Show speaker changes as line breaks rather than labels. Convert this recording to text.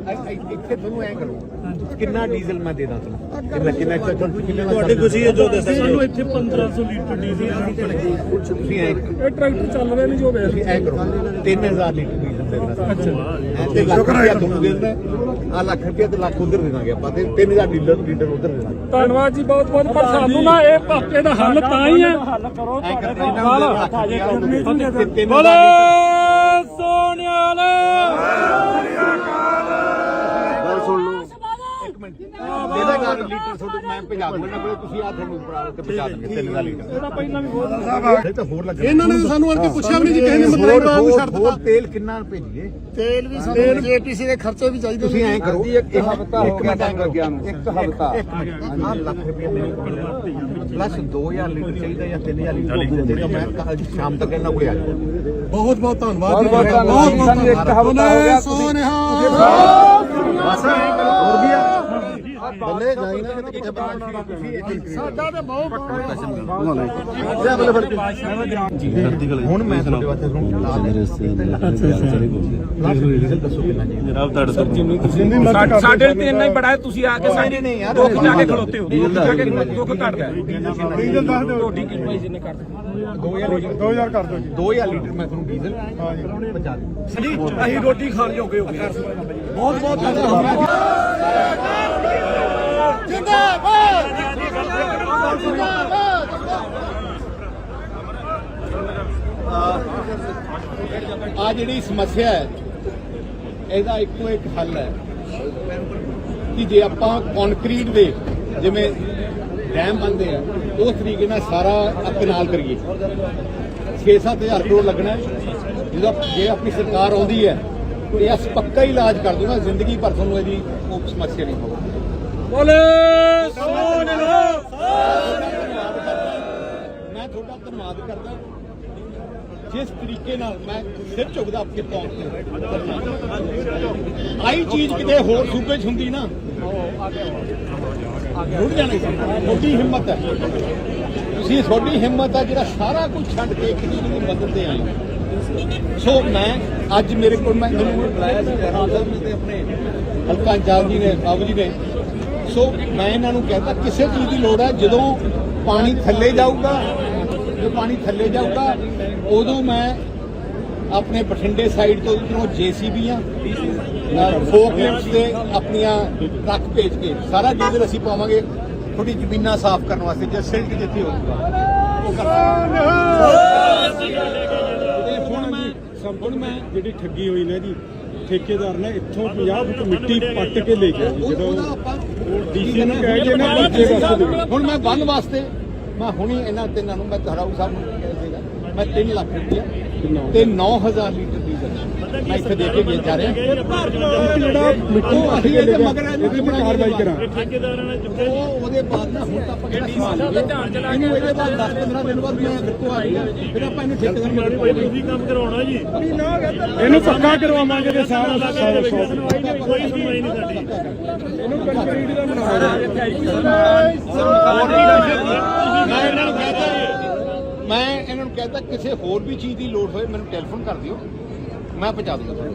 ਇੱਥੇ ਤੁਹਾਨੂੰ ਐ ਕਰੋ ਕਿੰਨਾ ਡੀਜ਼ਲ ਮੈਂ ਦੇ ਦਾਂ ਤੁਹਾਨੂੰ ਕਿੰਨਾ
ਤੁਹਾਡੀ ਖੁਸ਼ੀ ਹੈ ਜੋ ਦੱਸਿਆ
ਸਾਨੂੰ ਇੱਥੇ 1500 ਲੀਟਰ ਡੀਜ਼ਲ
ਤੁਸੀਂ ਐ
ਇਹ ਟਰੈਕਟਰ ਚੱਲ ਰਹੇ ਨੇ ਜੋ ਵੇਖ
ਤੁਸੀਂ ਐ ਕਰੋ 3000 ਲੀਟਰ ਡੀਜ਼ਲ ਦੇ ਦੇਣਾ ਤੇ ਲੱਖ ਰੁਪਇਆ ਤੁਹਾਨੂੰ ਦੇ ਦੇਣਾ ਆ ਲੱਖ ਰੁਪਇਆ ਤੇ ਲੱਖ ਉਧਰ ਦੇ ਦਾਂਗੇ ਆਪਾਂ ਤੇ 3000 ਲੀਟਰ ਉਧਰ ਦੇ ਦਾਂਗੇ।
ਧੰਨਵਾਦ ਜੀ ਬਹੁਤ ਬਹੁਤ। ਪਰ ਸਾਨੂੰ ਨਾ ਇਹ ਪਾਪੇ ਦਾ ਹੱਲ ਤਾਂ ਹੀ ਹੈ ਬੋਲੇ ਸੋਨਿਆਲ
ਗੱਲ ਸੁਣ ਲਓ ਇੱਕ ਮਿੰਟ ਇਹਦਾ ਗੱਲ ਲੀਟਰ ਤੁਹਾਡੇ ਮੈਂ ਪੰਜਾਬ ਦੇਣਾ ਕੋਲੇ ਤੁਸੀਂ ਆ ਤੁਹਾਨੂੰ ਪੜਾ ਕੇ ਪਹੁੰਚਾ ਦੇਣਗੇ 3000 ਲੀਟਰ ਇਹਦਾ ਪਹਿਲਾਂ ਵੀ ਬਹੁਤ ਸਾਹਿਬ ਤਾਂ ਹੋਰ ਲੱਗ
ਇਹਨਾਂ ਨੇ ਸਾਨੂੰ ਆਣ ਕੇ ਪੁੱਛਿਆ ਵੀ ਨਹੀਂ ਜੀ ਕਿਸੇ ਨੇ ਮਤਲਬ ਨੂੰ ਛੱਡ ਦਿੱਤਾ।
ਤੇਲ ਕਿੰਨਾ ਭੇਜੀਏ
ਤੇਲ ਵੀ ਸਾਨੂੰ ਜੀਪੀਸੀ ਦੇ ਖਰਚੇ ਵੀ ਚਾਹੀਦੇ
ਤੁਸੀਂ ਐਂ ਕਰੋ
ਇੱਕ ਹਫ਼ਤਾ ਹੋ ਗਿਆ ਟੈਂਕਰ ਗਿਆ ਨੂੰ ਇੱਕ ਹਫ਼ਤਾ
ਆ ਲੱਖ ਰੁਪਏ ਪਲੱਸ 2000 ਲੀਟਰ ਚਾਹੀਦਾ ਜਾਂ 3000 ਲੀਟਰ ਦੇ ਦਿਓ ਮੈਂ ਕੱਲ ਸ਼ਾਮ ਤੱਕ ਇਹਨਾਂ ਕੋਲੇ ਆ ਜਾਊਂ।
ਬਹੁਤ ਬਹੁਤ ਧੰਨਵਾਦ ਜੀ।
ਬਹੁਤ ਧੰਨਵਾਦ ਸਾਨੂੰ ਇੱਕ ਹਫ਼ਤਾ ਹੋ ਗਿਆ
ਹੋਰ ਵੀ ਆ ਬੰਦੇ ਜਾਈ ਨਾ ਕਿਤੇ
ਸਾਡਾ ਤੇ ਬਹੁਤ
ਹੁਣ ਮੈਂ ਤੁਹਾਡੇ ਵਾਸਤੇ ਤੁਹਾਨੂੰ ਲਾ ਦੇ ਦੱਸੋ ਕਿੰਨਾ ਜੀ
ਜਨਾਬ ਤੁਹਾਡੇ ਤੋਂ
ਸਾਡੇ ਲਈ ਇੰਨਾ ਹੀ ਬੜਾ ਹੈ। ਤੁਸੀਂ ਆ ਕੇ ਸਾਡੇ
ਨਹੀਂ ਯਾਰ
ਦੁੱਖ ਜਾ ਕੇ ਖਲੋਤੇ ਹੋ ਦੁੱਖ ਜਾ ਕੇ ਦੁੱਖ ਘਟਦਾ
ਡੀਜ਼ਲ ਦੱਸ ਦਿਓ।
ਤੁਹਾਡੀ ਕੀ ਪ੍ਰਾਈਸ ਇਹਨੇ ਕਰ
2000 ਕਰ ਦਿਓ ਜੀ।
2000 ਲੀਟਰ ਮੈਂ ਤੁਹਾਨੂੰ ਡੀਜ਼ਲ ਪਹੁੰਚਾ ਦੂੰ।
ਅਸੀਂ ਰੋਟੀ ਖਾਣ ਜੋਗੇ ਹੋ ਗਏ।
ਬਹੁਤ ਬਹੁਤ ਧੰਨਵਾਦ। ਆ ਜਿਹੜੀ ਸਮੱਸਿਆ ਹੈ ਇਹਦਾ ਇੱਕੋ ਇੱਕ ਹੱਲ ਹੈ ਕਿ ਜੇ ਆਪਾਂ ਕੰਕਰੀਟ ਦੇ ਜਿਵੇਂ ਡੈਮ ਬਣਦੇ ਆ ਉਸ ਤਰੀਕੇ ਨਾਲ ਸਾਰਾ ਕਨਾਲ ਕਰੀਏ 6-7 ਹਜ਼ਾਰ ਕਰੋੜ ਲੱਗਣਾ ਜਦੋਂ ਜੇ ਆਪਣੀ ਸਰਕਾਰ ਆਉਂਦੀ ਹੈ ਤੇ ਅਸ ਪੱਕਾ ਇਲਾਜ ਕਰ ਦੂੰਗਾ ਜ਼ਿੰਦਗੀ ਭਰ ਤੁਹਾਨੂੰ ਇਹਦੀ ਉਹ ਸਮੱਸਿਆ ਨਹੀਂ ਹੋਊਗੀ।
ਬੋਲੇ ਸੋਨਿਆਲ
ਮੈਂ ਤੁਹਾਡਾ ਧੰਨਵਾਦ ਕਰਦਾ ਜਿਸ ਤਰੀਕੇ ਨਾਲ ਮੈਂ ਸਿਰ ਝੁਕਦਾ ਆਪਕੇ ਤੌਰ ਤੇ ਆਈ ਚੀਜ਼ ਕਿਤੇ ਹੋਰ ਸੂਬੇ 'ਚ ਹੁੰਦੀ ਨਾ ਰੁੜ ਜਾਣਾ ਤੁਹਾਡੀ ਹਿੰਮਤ ਹੈ ਤੁਸੀਂ ਤੁਹਾਡੀ ਹਿੰਮਤ ਹੈ ਜਿਹੜਾ ਸਾਰਾ ਕੁਝ ਛੱਡ ਕੇ ਇੱਕ ਦੂਜੇ ਦੀ ਮਦਦ ਤੇ ਆਏ ਸੋ ਮੈਂ ਅੱਜ ਮੇਰੇ ਕੋਲ ਮੈਂ ਮੈਨੂੰ ਬੁਲਾਇਆ ਸੀ ਜਨਾਬ ਸਾਹਿਬ ਨੇ ਤੇ ਆਪਣੇ ਹਲਕਾ ਇੰਚਾਰਜ ਜੀ ਨੇ ਬਾਬੂ ਜੀ ਨੇ ਸੋ ਮੈਂ ਇਹਨਾਂ ਨੂੰ ਕਹਿੰਦਾ ਕਿਸੇ ਚੀਜ਼ ਦੀ ਲੋੜ ਹੈ ਜਦੋਂ ਪਾਣੀ ਥੱਲੇ ਜਾਊਗਾ ਉਦੋਂ ਮੈਂ ਆਪਣੇ ਬਠਿੰਡੇ ਸਾਈਡ ਤੋਂ ਇਧਰੋਂ ਜੇਸੀਬੀਆਂ ਫੋਕ ਲਿਫਟਸ ਤੇ ਆਪਣੀਆਂ ਟਰੱਕ ਭੇਜ ਕੇ ਸਾਰਾ ਡੀਜ਼ਲ ਅਸੀਂ ਪਾਵਾਂਗੇ ਥੋੜੀ ਜ਼ਮੀਨਾਂ ਸਾਫ਼ ਕਰਨ ਵਾਸਤੇ ਜੇ ਸਿਲਟ ਜਿੱਥੇ ਹੋਊਗਾ ਉਹ
ਹੁਣ ਮੈਂ ਜਿਹੜੀ ਠੱਗੀ ਹੋਈ ਨਾ ਜੀ ਠੇਕੇਦਾਰ ਨੇ ਇੱਥੋਂ 50 ਫੁੱਟ ਮਿੱਟੀ ਪੱਟ ਕੇ ਲੈ ਗਿਆ ਜੀ ਜਦੋਂ ਡੀਸੀ ਨੂੰ ਕਹਿ ਕੇ ਨਾ ਬੱਚੇ ਵਾਸਤੇ
ਹੁਣ ਮੈਂ ਬੰਨ ਵਾਸਤੇ ਮੈਂ ਹੁਣੀ ਇਹਨਾਂ ਤਿੰਨਾਂ ਨੂੰ ਮੈਂ ਧਰਾਊ ਸਾਹਿਬ ਨੂੰ ਕਹਿ ਦੇਗਾ ਮੈਂ 3 ਲੱਖ ਰੁਪਇਆ ਤੇ 9000 ਲੀਟਰ ਡੀਜ਼ਲ ਮੈਂ ਇੱਥੇ ਦੇ ਕੇ ਜਾ ਰਿਹਾ
ਜਿਹੜਾ ਮਿੱਟੀ ਪੱਟ ਕੇ ਲੈ ਗਿਆ ਇਹਦੀ ਮੈਂ ਕਾਰਵਾਈ ਕਰਾਂ।
ਉਹਦੇ ਬਾਅਦ ਨਾ ਹੁਣ ਤਾਂ ਆਪਾਂ ਕਿਹੜਾ ਸਮਾਨ ਇਹਨੂੰ ਇਹਦੇ ਬਾਅਦ 10-15 ਦਿਨ ਬਾਅਦ ਮੈਂ ਬਿਲਕੁਲ ਆ ਗਿਆ ਫਿਰ ਆਪਾਂ ਇਹਨੂੰ ਠੇਕੇਦਾਰ ਨੂੰ
ਤੁਸੀਂ ਕੰਮ ਕਰਾਉਣਾ ਜੀ ਇਹਨੂੰ ਪੱਕਾ ਕਰਵਾਵਾਂਗੇ ਤੇ ਸਾਰਾ
ਕੋਈ ਸੁਣਵਾਈ ਨਹੀਂ ਸਾਡੀ।
ਇਹਨੂੰ ਕੰਕਰੀਟ ਦਾ ਬਣਾਉਣਾ
ਮੈਂ ਇਹਨਾਂ ਨੂੰ ਕਹਿੰਦਾ ਕਿਸੇ ਹੋਰ ਵੀ ਚੀਜ਼ ਦੀ ਲੋੜ ਹੋਏ ਮੈਨੂੰ ਟੈਲੀਫੋਨ ਕਰ ਦਿਓ ਮੈਂ ਪਹੁੰਚਾ ਦੂੰਗਾ।